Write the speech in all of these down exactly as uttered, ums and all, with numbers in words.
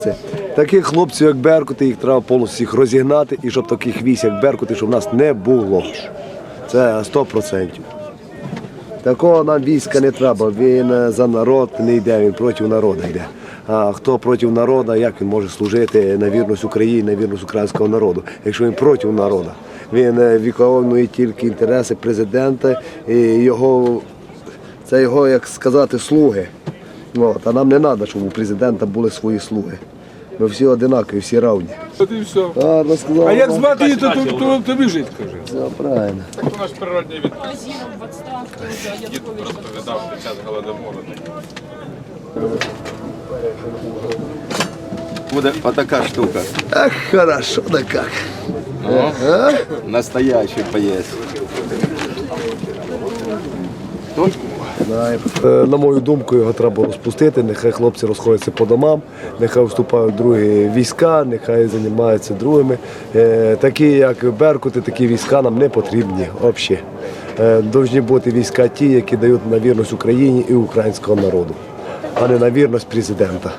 Це таких хлопців, як Беркути, їх треба повністю всіх розігнати, і щоб таких військ, як Беркути, щоб в нас не було. Це сто відсотків. Такого нам війська не треба, він за народ не йде, він проти народу йде. А хто проти народу, як він може служити на вірність Україні, на вірність українського народу, якщо він проти народу? Він виконує тільки інтереси президента і його, це його, як сказати, слуги. От, а нам не треба, щоб у президента були свої слуги. Ми всі одинакові, всі равні. От і все. А, розказав, А як звати її, то, то, то тобі жить, кажи. все правильно. Так у нас природний від Азіров в відставці вже дід Янукович. розповідав під час голодомору. Буде отака штука. Ах, хорошо, да как. Ага. Настоящий поїзд. Е, На мою думку, його треба розпустити, нехай хлопці розходяться по домам, нехай вступають в другі війська, нехай займаються другими. Е, Такі, як Беркути, такі війська нам не потрібні взагалі. Повинні бути війська ті, які дають на вірність Україні і українського народу, а не на вірність президента.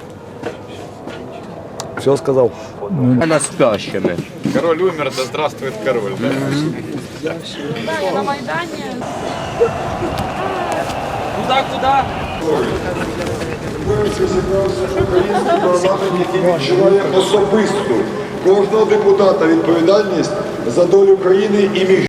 Все сказав? Вона спящими. Король умер, да здравствует король. Да? Далі на Майдані. Який відчуває особисту кожного депутата відповідальність за долю країни і між.